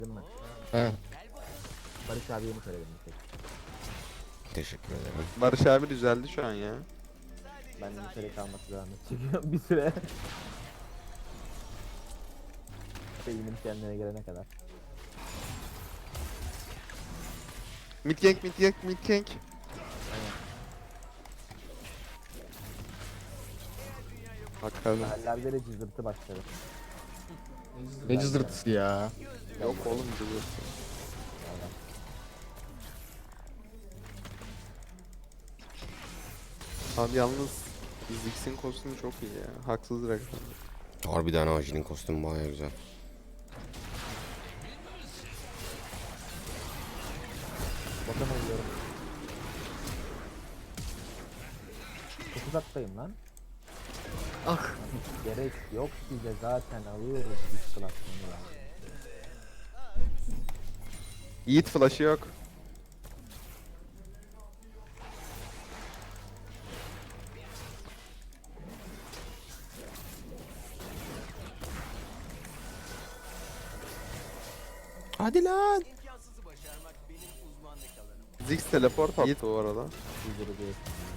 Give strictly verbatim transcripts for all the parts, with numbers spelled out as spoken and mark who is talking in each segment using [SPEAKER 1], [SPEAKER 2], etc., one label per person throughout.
[SPEAKER 1] Değil mi?
[SPEAKER 2] He.
[SPEAKER 1] Barış abiye mi söyledim? Tek.
[SPEAKER 2] Teşekkür ederim.
[SPEAKER 3] Barış abi düzeldi şu an ya.
[SPEAKER 1] Ben de müterek kalması devam edecek bir süre. Beynim kendine gelene kadar.
[SPEAKER 3] Mid gank mid gank mid gank. Bakalım.
[SPEAKER 1] Mahallerde de cızırtı başladı.
[SPEAKER 2] Ne cızırtısı ya.
[SPEAKER 3] Yok oğlum duruyor. Abi yalnız Ziggs'in kostümü çok iyi ya. Haksız rakam.
[SPEAKER 2] Harbiden Aji'nin kostümü baya güzel.
[SPEAKER 1] Bakın oluyorum. Çok uzaktayım lan.
[SPEAKER 2] Ah.
[SPEAKER 1] Hiç gerek yok bize zaten alıyoruz biz klasmanı ya.
[SPEAKER 3] Yiğit flash'ı yok.
[SPEAKER 2] Hadi lan.
[SPEAKER 3] Ziggs teleport attı bu arada.
[SPEAKER 1] Cızırı diye.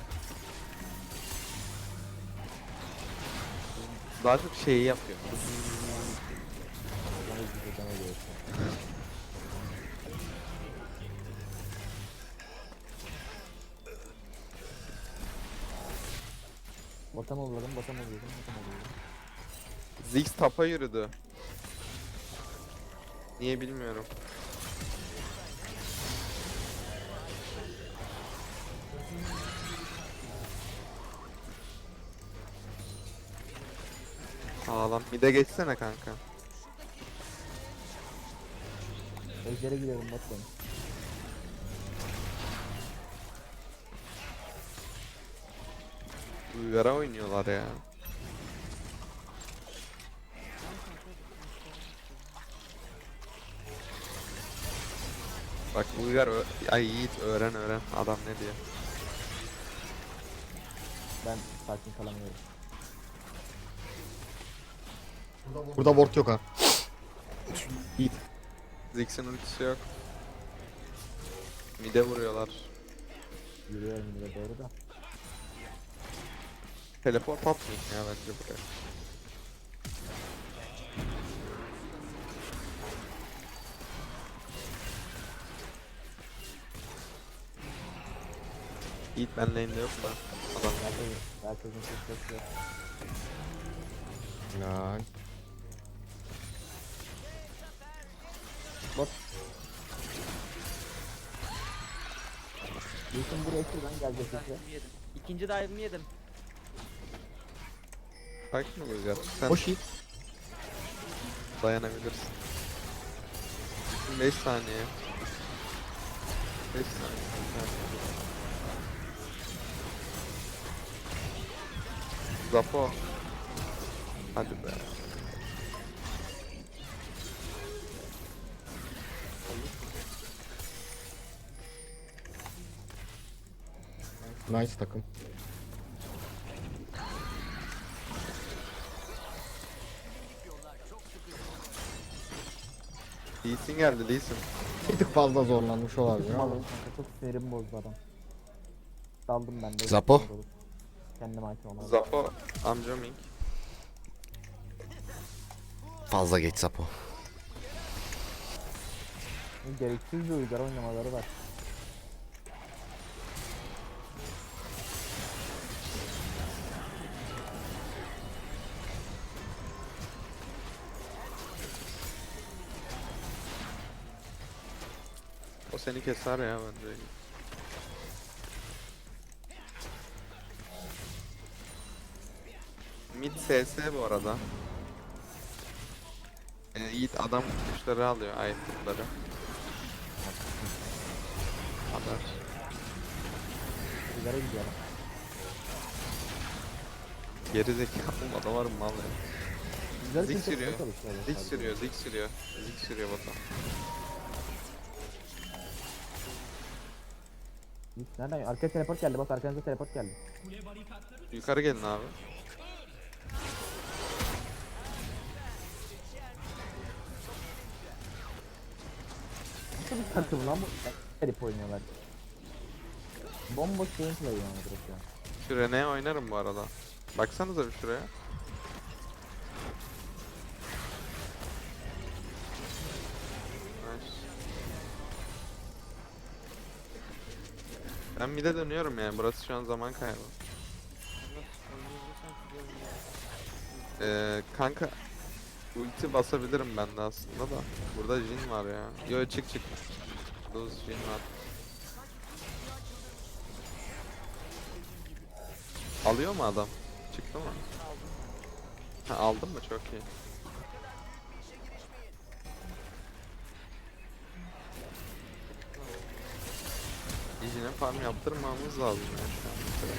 [SPEAKER 3] Daha çok şeyi yapıyor.
[SPEAKER 1] Bana cızırtana diyorsun. Botam oluyorum, botam oluyorum, botam oluyorum.
[SPEAKER 3] Ziggs tapa yürüdü. Niye bilmiyorum. Ağlam. Mid'e geçsene kanka.
[SPEAKER 1] Ejder'e gidiyorum botam.
[SPEAKER 3] Uygar'a oynuyorlar ya. Bak Uygar ö- ay Yiğit öğren öğren adam ne diyor.
[SPEAKER 1] Ben sakin kalamıyorum.
[SPEAKER 2] Burada ward yok ha.
[SPEAKER 3] Ziggs'in ultisi yok. Mid'e vuruyorlar.
[SPEAKER 1] Yürüyorum yine doğru da.
[SPEAKER 3] Teleport atmayın ya bence buraya. Yiğit ben lane'de yok da. Adam
[SPEAKER 1] Herkesin, herkesin sesi yok.
[SPEAKER 2] Lan.
[SPEAKER 1] Bot. Yusuf buraya şuradan gelecek sesi.
[SPEAKER 4] Yedim. İkinci dive'ımı yedim.
[SPEAKER 3] sakin ol Uygar. Sen
[SPEAKER 2] Hoş iyi.
[SPEAKER 3] dayanabilirsin. beş saniye. beş saniye. Zapo. Hadi be.
[SPEAKER 2] Nice takım.
[SPEAKER 3] Lee Sin geldi Lee Sin.
[SPEAKER 2] Bir tık fazla zorlanmış olabilir
[SPEAKER 1] Malım
[SPEAKER 2] ama.
[SPEAKER 1] kanka çok sinirimi bozdu adam. Daldım ben de.
[SPEAKER 2] Zapo.
[SPEAKER 1] Kendime hakim olamadım.
[SPEAKER 3] Zapo amcaming.
[SPEAKER 2] Fazla geç Sapo.
[SPEAKER 1] Gereksiz bir uygar oynamaları var.
[SPEAKER 3] O seni keser ya bence. Mid S S bu arada. Ee, Yiğit adam kuşları alıyor itemları. Haber.
[SPEAKER 1] Uygara gidiyorum.
[SPEAKER 3] Geri zekalı adam var mı mal ya.
[SPEAKER 1] Güzel
[SPEAKER 3] Zik
[SPEAKER 1] kimse
[SPEAKER 3] sürüyor.
[SPEAKER 1] çalışıyor
[SPEAKER 3] Zik
[SPEAKER 1] sadece.
[SPEAKER 3] sürüyor, zik sürüyor. Zik sürüyor bota.
[SPEAKER 1] Hiç nereden? Arkaya teleport geldi bak arkanıza teleport geldi.
[SPEAKER 3] Yukarı gelin abi.
[SPEAKER 1] bir takım lan bu? Herif oynuyorlar. Bomboş gameplay yani direkt ya.
[SPEAKER 3] Şu Rene'ye oynarım bu arada. Baksanıza bir şuraya. Nice. Ben mid'e dönüyorum yani. Burası şu an zaman kaybı. Ee, kanka ulti basabilirim ben de aslında da. Burada Jhin var ya. Yo çık çık. Burada Jhin var. Alıyor mu adam? Çıktı mı? Ha, aldın mı? Çok iyi. Jhin'e farm yaptırmamız lazım ya şu an mesela.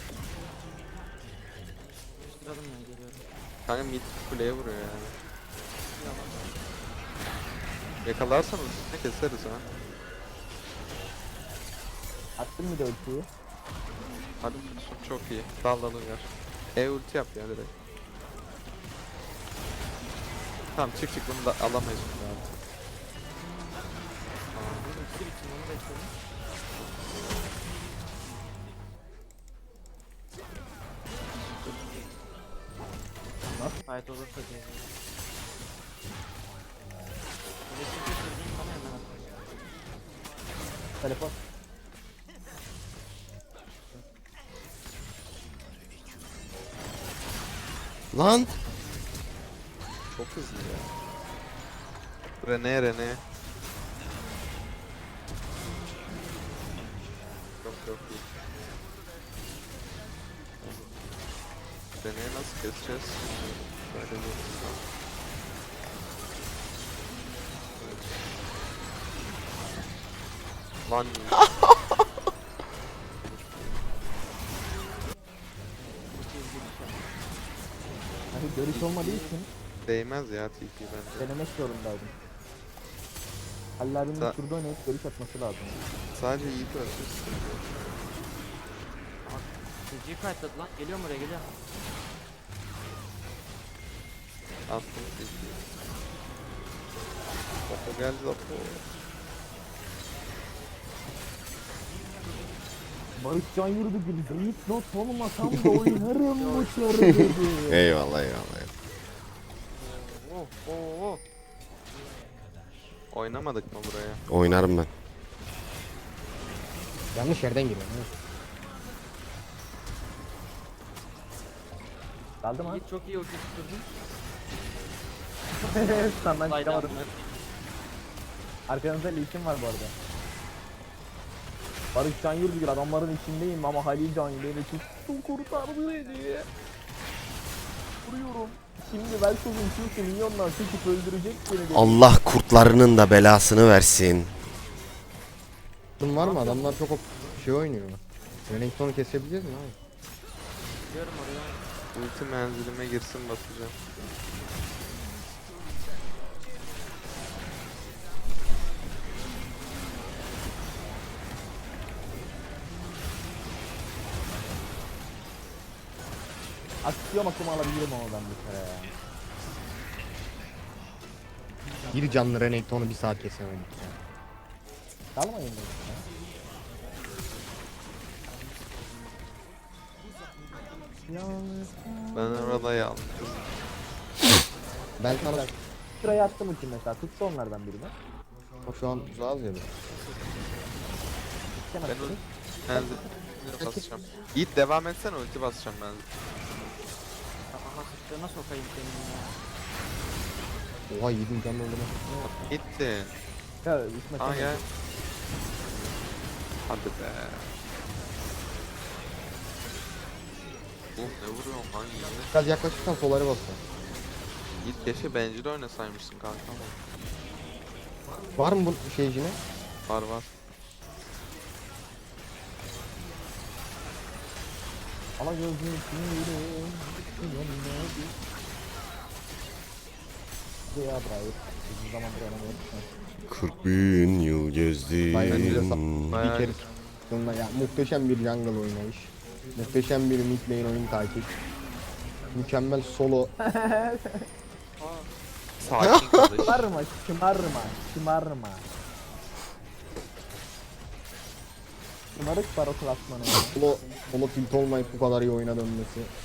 [SPEAKER 4] Sıradım ya geliyorum.
[SPEAKER 3] Kanka mid kuleye vuruyor yani. Yakalarsan ultisini keseriz ha.
[SPEAKER 1] Attın bir de ultiyi.
[SPEAKER 3] Hadi vursun, çok iyi. Dallanı ver. E ulti yap ya direkt. Tamam çık çık, bunu da alamayız şimdi artık.
[SPEAKER 4] Ulti için onu bekliyorum. Fight olursa diye. Elektrik getirdiğim bana hemen at.
[SPEAKER 1] Telefon.
[SPEAKER 2] Lan.
[SPEAKER 3] Çok hızlı ya. Rene Rene. Çok çok iyi. Rene'yi nasıl keseceğiz? Böyle bir... Lan
[SPEAKER 1] Hani görüş olmadığı için
[SPEAKER 3] değmez ya T P bence.
[SPEAKER 1] denemek zorundaydım. Halil abinin
[SPEAKER 3] Sa-
[SPEAKER 1] şurada oynayıp görüş atması lazım.
[SPEAKER 3] Sadece iyi görürsün.
[SPEAKER 4] C G fightladı lan. Geliyorum oraya geliyorum.
[SPEAKER 3] Attım T P'yi. Zapo geldi Zapo.
[SPEAKER 1] Barış Can Yurdu gibi zayıf not olmasam da oynarım bu çarı dedi.
[SPEAKER 2] Eyvallah eyvallah.
[SPEAKER 4] Oh oh oh.
[SPEAKER 3] Oynamadık mı buraya?
[SPEAKER 2] Oynarım ben.
[SPEAKER 5] Yanlış yerden giriyorum. Evet.
[SPEAKER 1] Kaldı mı?
[SPEAKER 4] Yiğit çok iyi ulti tutturdun.
[SPEAKER 1] Sen ben
[SPEAKER 4] Saydan
[SPEAKER 1] çıkamadım.
[SPEAKER 4] bunlar.
[SPEAKER 1] Arkanızda Lee'sin var bu arada. Barış Can Yurdu gibi adamların içindeyim ama Halil Can beni tuttu kurtardı beni. Vuruyorum. Şimdi Velkoz'un Q'su milyondan çekip öldürecek beni dedi.
[SPEAKER 2] Allah kurtlarının da belasını versin.
[SPEAKER 5] Bunun var mı? Adamlar çok op- şey oynuyor. Renekton'u kesebileceğiz mi abi?
[SPEAKER 4] Gidiyorum oraya.
[SPEAKER 3] Ulti menzilime girsin basacağım.
[SPEAKER 1] Aksiyon akımı alabilirim ama ben bu kere ya.
[SPEAKER 5] Bir canlı Renekton'u bir saat kesemedik ya.
[SPEAKER 1] Kalmayın da. Yalnız
[SPEAKER 3] Ben orada yalnız.
[SPEAKER 5] Ben sana
[SPEAKER 1] sıraya attım ultim mesela. Tuttu onlardan birini.
[SPEAKER 5] şu an uzağız ya. biz.
[SPEAKER 1] Sen
[SPEAKER 3] Ben
[SPEAKER 1] attın.
[SPEAKER 3] ul- menzilime basacağım. Yiğit devam etsene, ulti basacağım ben.
[SPEAKER 4] Aha sıçtığına sokayım senin ya.
[SPEAKER 5] Oha yedim canlı öldürme.
[SPEAKER 3] Gitti.
[SPEAKER 1] Ya İsmet
[SPEAKER 3] Aa
[SPEAKER 1] sen
[SPEAKER 3] gel.
[SPEAKER 1] de.
[SPEAKER 3] Hadi be. Uf ne vuruyorsun lan Yiğit?
[SPEAKER 5] Biraz yaklaşırsan soları basın.
[SPEAKER 3] Yiğit keşke bencil oynasaymışsın kanka ama.
[SPEAKER 5] Var mı bu şeycine?
[SPEAKER 3] Var var.
[SPEAKER 1] Ama gözüm yüreğim. Yanına bir. Ya bravo. Bizim zaman bir anlamı yok.
[SPEAKER 2] kırk bin yıl
[SPEAKER 5] Bence de
[SPEAKER 2] gezdim.
[SPEAKER 5] sa-
[SPEAKER 3] Bayağı
[SPEAKER 5] bir kere sonuna ya muhteşem bir jungle oynayış. Muhteşem bir mid lane oyun takip. Mükemmel solo.
[SPEAKER 3] Sakin kardeş.
[SPEAKER 1] Şımarma, şımarma, şımarma. Şımarık baro klasmanı ya.
[SPEAKER 5] Solo, solo tilt olmayıp bu kadar iyi oyuna dönmesi.